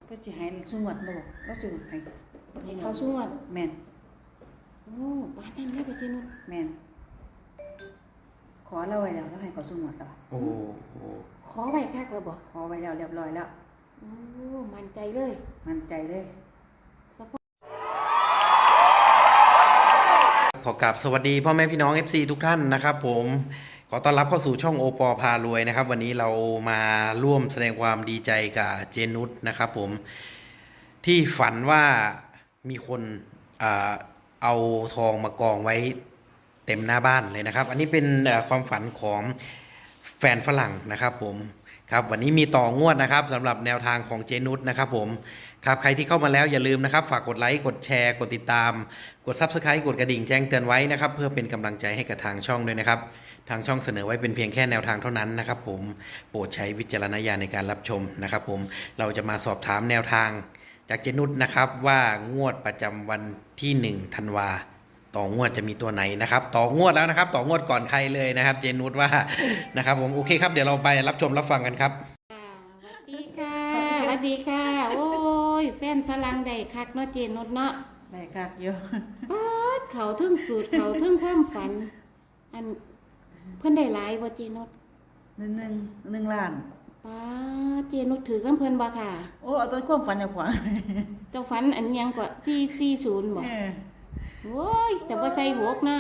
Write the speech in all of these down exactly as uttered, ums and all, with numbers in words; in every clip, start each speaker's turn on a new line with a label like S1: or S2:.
S1: ก็จะให้สงวดบ่แล้วจะให้
S2: ให้เขาสงวด
S1: แม่น
S2: โอ้บ้านนั้นเลยไปเจนุช
S1: แม่นขอเราไว้แล้วแล้วให้เขาสงวดแล้ว
S3: โอ้
S2: ขอไว้คักแล้วบ่
S1: ขอไว้แล้วเรียบร้อยแล้ว
S2: โอ้มั่นใจเลย
S1: มั่นใจเลย
S3: ขอกราบสวัสดีพ่อแม่พี่น้อง เอฟ ซี ทุกท่านนะครับผมขอต้อนรับเข้าสู่ช่องโอปอพารวยนะครับวันนี้เรามาร่วมแสดงความดีใจกับเจนุชนะครับผมที่ฝันว่ามีคนเอาทองมากองไว้เต็มหน้าบ้านเลยนะครับอันนี้เป็นความฝันของแฟนฝรั่งนะครับผมครับวันนี้มีต่องวดนะครับสำหรับแนวทางของเจนุชนะครับผมครับใครที่เข้ามาแล้วอย่าลืมนะครับฝากกดไลค์กดแชร์กดติดตามกด ซับสไครบ์ กดกระดิ่งแจ้งเตือนไว้นะครับเพื่อเป็นกำลังใจให้กับทางช่องด้วยนะครับทางช่องเสนอไว้เป็นเพียงแค่แนวทางเท่านั้นนะครับผมโปรดใช้วิจารณญาณในการรับชมนะครับผมเราจะมาสอบถามแนวทางจากเจนุชนะครับว่างวดประจำวันที่หนึ่งธันวาต่องวดจะมีตัวไหนนะครับต่องวดแล้วนะครับต่องวดก่อนใครเลยนะครับเจนุชว่านะครับผมโอเคครับเดี๋ยวเราไปรับชมรับฟังกันครับ
S2: สวัสดีค่ะสวัสดีค่ะโอ้ยแฟนฝรั่งได้คักเนาะเจนุชเนาะ
S1: ได้คักเยอะ
S2: ป๊าดเขาทึ่งสูตรเขาทึ่งความฝันอันเพิ่นได้หลายบ่เจนุช
S1: หนึ่งหนึ่งหนึ่งล้าน
S2: ป้าเจนุชถือน้ำเพิ่นบ่ค่ะ
S1: โอ้เอาต้นความฝันจากขวา
S2: เจ้าฝันอันยังกว่าที่สี่ศูนย์บ่โอ้ยแต่ว่าใส่หวกนะ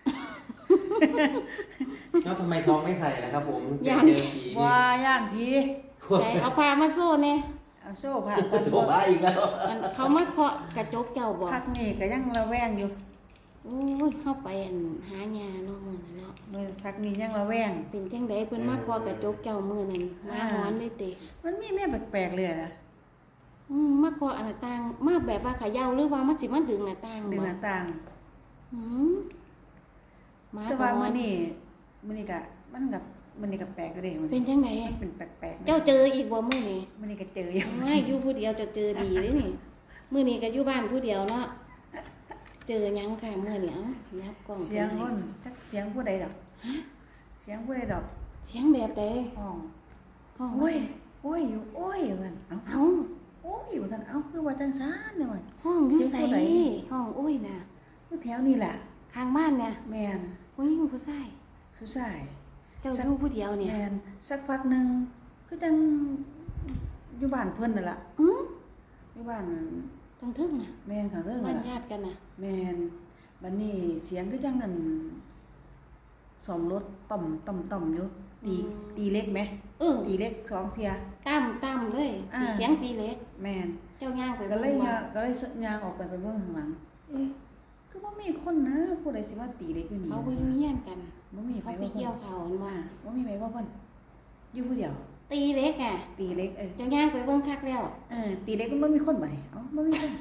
S3: แล้วทำไมท้องไม่ใส่ล่ะครับผม
S2: ย่าน
S3: ผี
S1: ว่าย่านผี
S2: ไหนเอาผ้ามาโซ่เนี่ย
S1: เอาโซ่ผ้า
S3: โซ่ผ้าอีกแล้ว
S2: เขามาเคาะกระจกเจ้าบ่
S1: พักนี่ก็ยังระแวงอยู่
S2: โอ้ยเข้าไปหายาเนาะมื้อนั้นเนาะ
S1: มื้อพักนี้ยังระแวง
S2: เป็นจังได๋เพิ่นมาเคาะกระจกเจ้ามื้อนั้นมาฮ้อนเลยติ
S1: มันมีแม่แปลกๆเลยนะ
S2: อืมมาเคาะหน้าต่างมาแบบว่าเขย่าหรือว่ามันสิมาดึงหน้าต่าง
S1: บ่ดึงหน้าต่าง
S2: อืม
S1: มาแต่ว่ามื้อนี้มื้อนี้ก็มันก็มื้อนี้ก็แปลกอยู่เด้
S2: เป็นจังได๋
S1: เป็นแปลกๆ
S2: เจ้าเจออีกบ่มื้อนี้
S1: มื้อนี้ก็เจออยู่
S2: ไม่อยู่ผู้เดียวจะเจอดีเด้นี่มื้อนี้ก็อยู่บ้านผู้เดียวเนาะเจอหยังค่ะมื้อนี้เอ้ายับกล้อง
S1: เสียงคนจักเสียงผู้ใดดอกฮะเสียงผู้ใดดอก
S2: เสียงแบบใด
S1: ห้อง
S2: ห้อง
S1: โอ้ยโอ้ยอยู่โอ้ยมันเอ้า
S2: เอ้า
S1: โอ้ยอยู่ซั่นเอ้าคือว่าจังซั่นเด้อ
S2: ห้องอยู่ไสห้องโอ้ยน่ะ
S1: อยู่แถวนี้แหละ
S2: ข้างบ้านเนี่ย
S1: แม่น
S2: ผู้หญิงผู้ชาย
S1: ผู้ชาย
S2: เจ้าอยู่ผู้เดียวเนี่ย
S1: แม่นสักพักนึงคือจังอยู่บ้านเพิ่นนั่นล่ะ
S2: อือ
S1: อยู่บ้าน
S2: ทางทึ่งน่ะ
S1: แม่นข้างทึ่ง
S2: บ้านญาติกันน่ะ
S1: แม่นบัดนี้เสียงคือจังนั่นซ่อมรถต่อมต่อมต่อมอยู่ตีตีเล็กไหม
S2: เออ
S1: ตีเล็กสองเที่ย
S2: ตั้มตั้มเลยเสียงตีเล็ก
S1: แม่น
S2: เจ้าย่างไป
S1: ก็เลยย่างก็เลยย่างออกไปไปเบิ่งข้างหลังเอ๊ะก็บ่มีคนนะผู้ใดสิมาตีเล็กอยู่นี่
S2: เขาบ่อยู่เฮียนกัน
S1: บ่มี
S2: เขาไปเกี่ยวเขาอันว่า
S1: บ่มีไผว่าเพิ่นอยู่ผู้เดียว
S2: ตีเล็กอ่ะ
S1: ตีเล็กเออ
S2: เจ้าย่างไปเบิ่งคักแล้ว
S1: เออตีเล็กมันบ่มีคนบัดนี้เอ้าบ่มีคน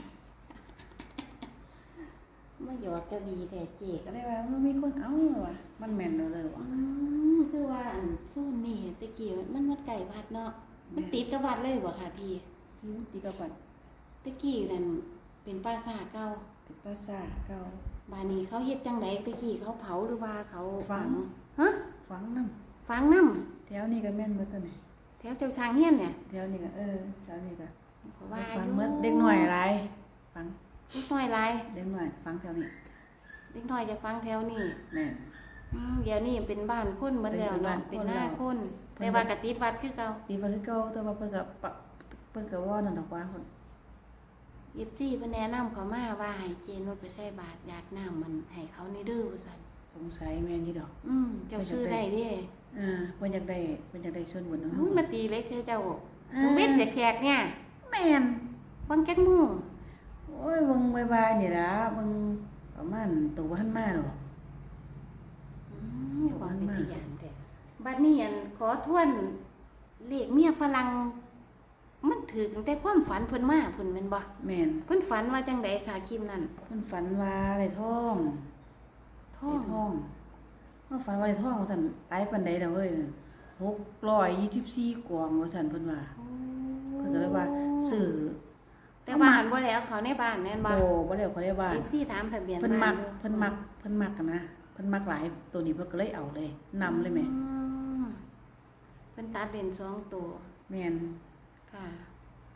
S2: มาหยอกเจ้าดีแต่เจ๊
S1: ก็เลยว่าบ่มีคนเอ้าว่ะมันแม่นเด้อเลยว่ะ
S2: อืมคือว่าอันโซนนี่ตะกี้มันมันไกลวัดเนาะมันติดกับวัดเลยบ่ค่ะพี่
S1: ที่ติดกับวัด
S2: ตะกี้นั่นเป็นปราสาทเก่า
S1: เป็นปราสาทเก่า
S2: บ้านนี้เขาเฮ็ดจังได๋ตะกี้เขาเผาหรือว่าเขา
S1: ฝัง
S2: ฮะ
S1: ฝังนำ
S2: ฝังนำ
S1: แถวนี้ก็แม่นเบิดตัวนี้
S2: แถวเจ้าทางเฮียนเนี่ย
S1: แถวนี้ก็เออแถวนี้ก็
S2: เพราะว่า
S1: ฝังเบิดเด็กน้อยหลายฝัง
S2: เด็กน้อยหลาย
S1: เด็กน้อยฝังแถวนี้
S2: เด็กน้อยจะฝังแถวนี้
S1: แม่น
S2: อืมเดี๋ยวนี้เป็นบ้านคนเบิดแล้วเนาะเป็นหน้าคนแต่ว่าก็ติดวัดคือเก่า
S1: ติดวัดคือเก่าแต่ว่าเพิ่นก็เพิ่นก็ว่านั่นดอกว่าเพิ่น
S2: ยิบจี้เพิ่นแนะนำเขามาว่าให้เจนุชไปใส่บาตรญาติน้ำมันให้เขานี่เด้อว่าซั่น
S1: สงสัยแม่นอยู่ดอก
S2: อืมเจ้าซื้อได้เด้
S1: อ่าเพิ่นอยากได้เพิ่นอยากได้ส่วนบุญนำเฮา
S2: มาตีเล็กคือเจ้าสุเวทแขกๆเนี่ย
S1: แม่น
S2: บังจักมู่
S1: โอ้ยเบิ่งบ่ายๆนี่ล่ะเบิ่งประมาณตัวบ่ทันมาดอก
S2: อืมบ่เป็นที่ย่านแท้บัดนี้อันขอทวนเลขเมียฝรั่งมันถือตั้งแต่ความฝันเพิ่นมาเพิ่นแม่นบ่
S1: แม่น
S2: เพิ่นฝันว่าจังได๋ค่ะคลิปนั้น
S1: เพิ่นฝันว่าได้ทอง
S2: ทอง
S1: ทองเฮาฝันว่าได้ทองว่าซั่นหลายปานใดดอกเว้ยหกร้อยยี่สิบสี่กล่องว่าซั่นเพิ่นว่าเพิ่นก็เลยว่าซื้อ
S2: แต่ว่าหันบ่ได้เอาเขาในบ้านแม่นบ่
S1: โอ้บ่ได้เอาเขาในบ้าน
S2: เอฟ ซี ถามทะเบียน
S1: บ้านเพิ่นมักเพิ่นมักเพิ่นมักกันนะเพิ่นมักหลายตัวนี้เพิ่นก็เลยเอาเลยนำเลยแม่
S2: เพิ่นตัดเลนสองตัว
S1: แม่น
S2: ค่ะ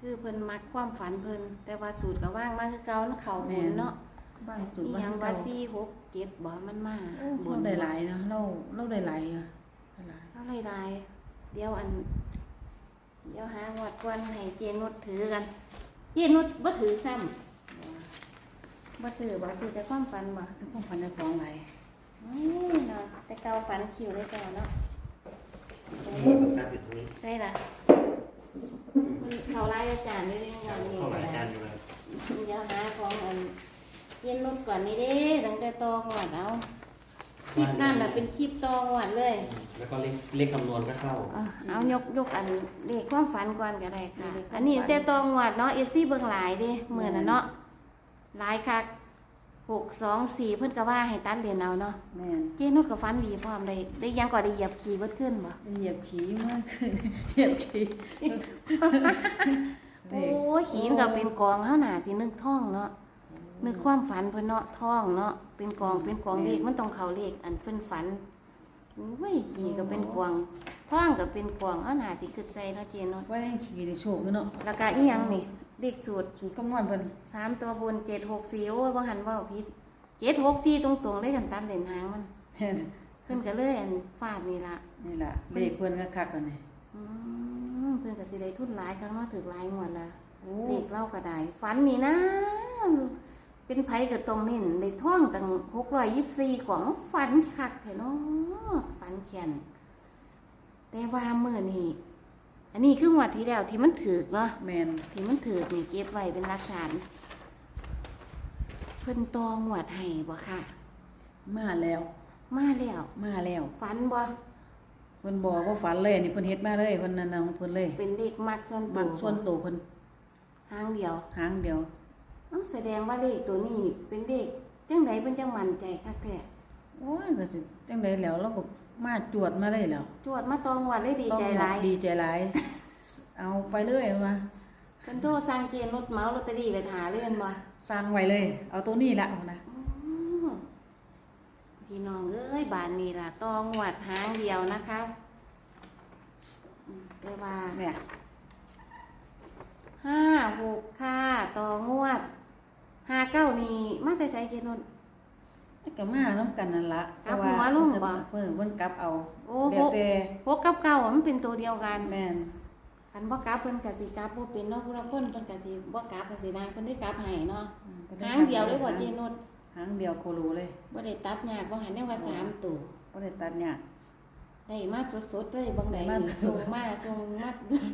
S2: คือเพิ่นมักความฝันเพิ่นแต่ว่าสูตรก็ว่างมาคือเก่าเนาะเขาบุญเนาะ
S1: บ้านจุด
S2: อี
S1: บ้า
S2: หยัง
S1: น
S2: ว่า
S1: เก่า
S2: สี่ หก เจ็ดบ่มันมา
S1: โอ้
S2: บุ
S1: เรา
S2: ญ
S1: ได้หลายนะเราเราได้หลายอะได้หลาย
S2: เท่าไรลายเดี๋ยวอัน เดี๋ยวหางวดก่อนให้เจนุชถือกัน เจนุชบ่ถือซ้ำบ่ถือบ่ถือแต่ความฝันบ่
S1: ซึ่งพวกพันในของหลาย
S2: อือเนาะแต่เก่าฝันคิวเลยเก่าเนาะ
S3: นี่มันตั้งอยู่ตรงนี้
S2: ใช่ล่ะมันเขาไล่อาจารย์ได้เรื่องงานนี้
S3: เข้าห
S2: ก็
S3: ลาย
S2: ได้
S3: จานอยู่เลย
S2: เดี๋ยวหาของอันเย็นนุชก่อนนี่เด้ตั้งแต่ตองหวัดเอาคลิปนั่นแหละเป็นคลิปตองหวัดเลย
S3: แล้วก็เลขเลขคำนวณก็เข้า
S2: เอาเอายกยกอันเลขความฝันก่อนก็ได้ค่ะ อันนี้แต่ตองหวัดเนาะเอฟซีเบิ่งหลายเด้เหมือนน่ะเนาะหลายคักหกสองสี่เพิ่นก็ว่าให้ตัดเหรียญเอาเนาะ
S1: แม่น
S2: เจนุชก็ฝันดีพร้อมได้ได้ยังก็ได้เหยียบขี่เบิดขึ้นบ่
S1: ได้เหยียบขี้มากขึ้น เหยียบขี้
S2: โอ้ยขี่มันก็เป็นกองเฮาหน่าสินึกท่องเนาะ นึกความฝันเพิ่นเนาะท้องเนาะเป็นกองเป็นกองเลขมันต้องเข้าเลขอันเพิ่นฝันโอ้ยขี่ก็เป็นกวางท้องก็เป็นกวางเอาหน้าสิขึ้นใส่เนาะเจนเนาะ
S1: ว่าได้ขี้ในโชคอยู่เนาะ
S2: แล้วก็อีหยังนี่เลขสูตร
S1: สูตรคำนวณเพิ่น
S2: สามตัวบนเจ็ด หก สี่โอ้ยบ่หันเว้าผิดเจ็ด หก สี่ตรงๆเลยกันตัดเลนหางมัน
S1: แม่น
S2: เพิ่นก็เลยอันฟาดนี่ล่ะ
S1: นี่ล่ะเลขเพิ่นก็คักแล้วนี่
S2: อืมเพิ่นก็สิได้ทุนหลายครั้งเนาะถึกหลายงวดละ
S1: โอ้
S2: เลขเล่าก็ได้ฝันนี่นะเป็นไผก็ตรงนี่ได้ท่องตั้งหกร้อยยี่สิบสี่ของฝันคักแท้เนาะฝันเขียนแต่ว่ามื้อนี้อันนี้คืองวดที่แล้วที่มันถูกเนาะ
S1: แม่น
S2: ที่มันถูกนี่เก็บไว้เป็นหลักฐานเพิ่นตองวดให้บ่ค่ะ
S1: มาแล้ว
S2: มาแล้ว
S1: มาแล้ว
S2: ฝันบ่
S1: เพิ่นบอกว่าฝันเลยอันนี้เพิ่นเฮ็ดมาเลยเพิ่นนั่นน่ะของเพิ่นเลย
S2: เป็นเลขมักส่วนตั
S1: มั
S2: ว
S1: กส่วนตัวเพิ่น
S2: หางเดียว
S1: หางเดียว
S2: เอ้าแสดงว่าเลขตัวนี้เป็นเลขจังไดเพิ่นจังมั่นใจคักแท้
S1: โอ้ยก็สิจังไดแล้วเราก็มาจวดมาเลยแล้ว
S2: จวดมาตองวดเลยดีใจหลาย
S1: ดีใจหลาย เอาไปเลยเอามา
S2: เพิ่นโทรสั่งเกณฑ์รถเหมาลอตเตอรี่ไปหาเรื่อนบ่
S1: สร้างไว้เลย เอาตัวนี้ละเอานะ
S2: อ๋อพี่น้องเอ้ยบานนี้ล่ะตองวดหางเดียวนะคะอืมแต่ว่า
S1: เนี่ย
S2: ห้าหกค่ะต่องวดห้าเก้านี่มาแต่ใช้เกณฑ์รถ
S1: ก็มาน้ำกันนั่นละ
S2: กลับหัวลงบ่
S1: เพิ่นเพิ่นกลับเอา
S2: โอ้
S1: เดี๋ยวแต่
S2: หกกับเก้ามันเป็นตัวเดียวกัน
S1: แม่น
S2: คันบ่กลับเพิ่นก็สิกลับบ่เป็นเนาะผู้ละคนเพิ่นก็สิบ่กลับก็สิได้เพิ่นได้กลับให้เนาะ
S1: อืมพิ่น
S2: หางเดียวเลยบ่เจนุช
S1: หางเดียวโคโลเลย
S2: บ่ได้ตัดยากบ่หันได้ว่าสามตัว
S1: บ่ได้ตัดยาก
S2: ได้มาสดๆเลยบางใด
S1: ได้มา
S2: นี่
S1: ส
S2: ส่
S1: ด
S2: ง
S1: ๆ
S2: มาส่งมา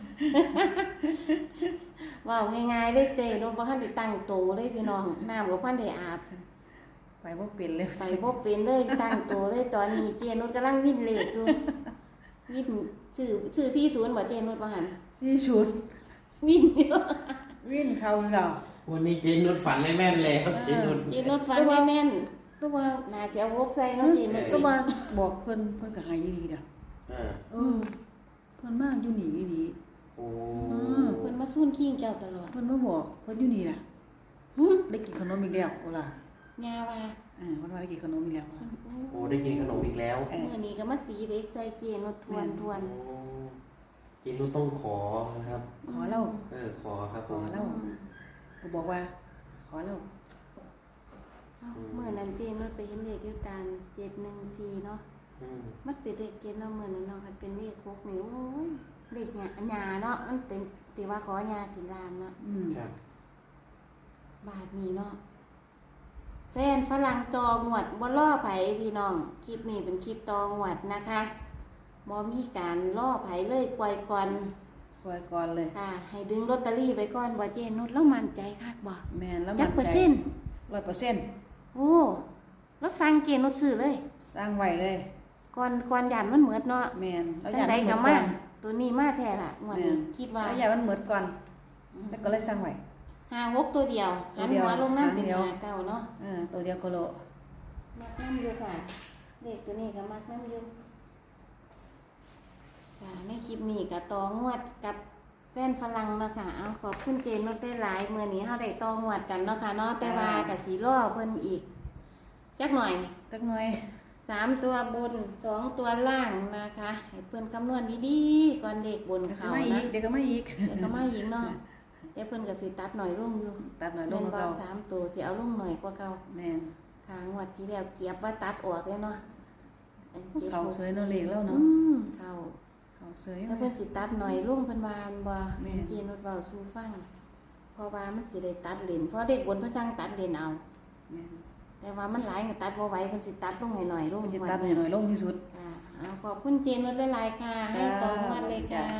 S2: เว้าง่ายๆเลยเตรถบ่ทันได้ตั้งโตเลยพี่น้องน้ำก็พันได้อาบ
S1: ไปบ่เป็นเลย
S2: ไปบ่เป็นเลยตั้งโตเลยตอนนี้เจนุชกำลังวิ่นเลขอยู่วิ่นชื่อชื่อที่ศูนย์บ่เจนุชบ่หัน
S1: สี่ชุด
S2: วิ่นอยู่
S1: วิ่นเข้าแล้ว
S3: วันนี้เจนุชฝันไม่แม่นแล้วเจนุช
S2: เจนุชฟังไม่แม่น
S1: แต่ว่า
S2: น่าสิเอาวกใส่เนาะเจนุช
S1: แต่ว่าบอกเพิ่นเพิ่นก็ให้ดีๆเด้อ
S3: เออ
S1: เออเพิ่นมาอยู่นี่ดี
S3: โอ้
S2: เพิ่นมาซุ่นขิงเจ้าตลอด
S1: เพิ่นมาบอกเพิ่นอยู่นี่ล่ะ
S2: หึ
S1: ได้กินขนมอีกแล้วโอล่ะ
S2: ยาว่า
S1: เออเพิ่นว่าได้กินขนมอีกแล้ว
S2: เพิ่น
S3: โอ้ได้กินขนมอีกแล้ว
S1: เออ
S2: มื้อนี้ก็มาตีเด็กใส่เจนุชทวนทวน
S3: โอ้เจนุชต้องขอนะครับ
S1: ขอเล่า
S3: เออขอครับผ
S1: ขอ
S3: ม
S1: เล่า ก็บอกว่า ขอเล่า
S2: เอ้าเมื่อนั้นเจนุชไปเห็นเลขอยู่ตามเจ็ดหนึ่งสี่เนาะ
S3: อืม
S2: มันเป็นเลขเกณฑ์เนาะเมื่อนั้นเนาะมันเป็นเลขหกนิ้วโอ้ยเลขหยาหยาเนาะมันเป็นติว่าขอหยาถึงลามเนาะ
S1: อืม
S3: ครับ
S2: บาทนี้เนาะแฟนฝรั่งตองวดบ่ล่อไผพี่น้องคลิปนี้เป็นคลิปตองวดนะคะบ่มีการล่อไผเลยปล่อยก่อน
S1: ปล่อยก่อนเลย
S2: ค่ะ ให้ดึงลอตเตอรี่ไว้ก่อนบ่เจนุชแล้วมั่นใจคักบ่
S1: แม่นแล้ว
S2: จั
S1: มั
S2: ก
S1: น
S2: เปอร์
S1: ใจ
S2: เซ็นต์
S1: ร้อยเปอร์เซ็นต์
S2: โอ้แล้วสั่งเกณฑ์นุชซื้อเลย
S1: สร้างไว้เลย
S2: ก่อนก่อนยานมันเหมือดเนาะ
S1: แม่นแล้ว
S2: จั
S1: อง ยาก
S2: ได
S1: มันเห
S2: ก็
S1: มือนก่
S2: มา
S1: อน
S2: ตัวนี้มาแท้ล่ะงวดนี้คิดว่า
S1: แล้วอยากมันเหมือนก่อน แล้วก็เลยสร้างไว้
S2: ห้าหกตัวเดียว
S1: ตั
S2: หั
S1: วน เดียว
S2: หัวลงน้ำเป็น
S1: หางเดียว
S2: หาเก้าเนาะ
S1: เออตัวเดียวก็โล
S2: มักน้ำอยู่ค่ะเด็กตัวนี้ก็มักน้ำอยู่ค่ะในคลิปนี้ก็ตองวดกับแฟนฝรั่งเนาะค่ะเอาขอบคุณเจนนุชได้หลายมื้อนี้เฮาได้ตองวดกันเนาะค่ะเนาะแต่ว่าก็สิรอเพิ่นอีกจักหน่อย
S1: จักหน่อย
S2: สามตัวบนสองตัวล่างนะคะให้เพิ่นคำนวณดีๆก่อนเด็กบน
S1: เดี๋ยวก็
S2: เขา
S1: มาอี
S2: นะ
S1: กเดี๋ยวก็มาอีก
S2: เดี๋ยวก็มาอีกเนาะแต่เพิ่นก็สิตัดหน่อยลงอยู่
S1: ตัดหน่อยล
S2: แม่
S1: ง
S2: น
S1: กว่า
S2: บ่
S1: เก่า
S2: สามตัวสิเอาลงหน่อยกว่าเก่า
S1: แม่น
S2: ค่ะงวดที่แล้วเกียบว่าตัดออกเลยเนาะอันจ็ด
S1: เขาเสยเนาะเลขแล้วเนาะ
S2: อืมเขา
S1: เขาเสย
S2: แล้ว
S1: ไหม
S2: เพิ่นสิตัดหน่อยลงเพิ่นว่าอันบ่
S1: แม่
S2: แม่
S1: น
S2: นเจนุชเว้าสู่ฟังเพราะว่ามันสิได้ตัดเลนเพราะเด็กบนเพิ่นสั่งตัดเลนเอา
S1: แม่น
S2: แต่ว่ามันหลายก็ตัดบ่ไหวเพิ่นสิตัดลงให้หน่อยลง
S1: มันจะ
S2: งว
S1: ตัดให้หน่อยลงที่สุด
S2: ค่ะอ่าขอบคุณเจนุชหลายๆค่ะ ให้ตรงวันเลยค่ะ